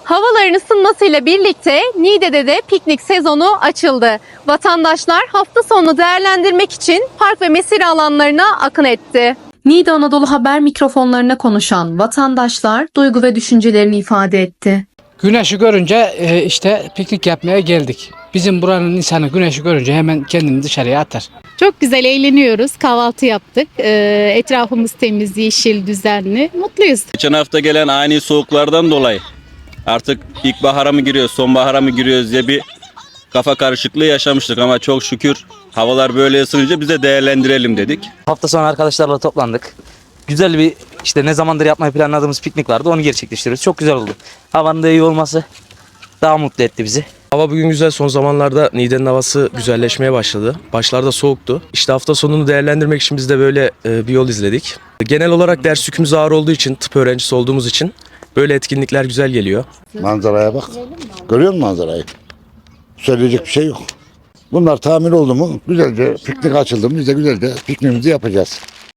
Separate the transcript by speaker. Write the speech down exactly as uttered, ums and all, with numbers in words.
Speaker 1: Havaların ısınmasıyla birlikte Niğde'de de piknik sezonu açıldı. Vatandaşlar hafta sonunu değerlendirmek için park ve mesire alanlarına akın etti. Niğde Anadolu Haber mikrofonlarına konuşan vatandaşlar duygu ve düşüncelerini ifade etti.
Speaker 2: Güneşi görünce e, işte piknik yapmaya geldik. Bizim buranın insanı güneşi görünce hemen kendini dışarıya atar.
Speaker 3: Çok güzel eğleniyoruz. Kahvaltı yaptık. Ee, etrafımız temiz, yeşil, düzenli. Mutluyuz.
Speaker 4: Geçen hafta gelen ani soğuklardan dolayı artık ilkbahara mı giriyoruz, sonbahara mı giriyoruz diye bir kafa karışıklığı yaşamıştık ama çok şükür havalar böyle ısınınca biz de değerlendirelim dedik.
Speaker 5: Hafta sonu arkadaşlarla toplandık. Güzel bir işte ne zamandır yapmayı planladığımız piknik vardı. Onu gerçekleştiriyoruz. Çok güzel oldu. Havanın da iyi olması daha mutlu etti bizi.
Speaker 6: Hava bugün güzel. Son zamanlarda Niğde'nin havası güzelleşmeye başladı. Başlarda soğuktu. İşte hafta sonunu değerlendirmek için biz de böyle e, bir yol izledik. Genel olarak ders yükümüz ağır olduğu için, tıp öğrencisi olduğumuz için böyle etkinlikler güzel geliyor.
Speaker 7: Manzaraya bak. Görüyor musun manzarayı? Söyleyecek bir şey yok. Bunlar tamir oldu mu güzelce piknik açıldı mı biz de güzelce pikniğimizi yapacağız.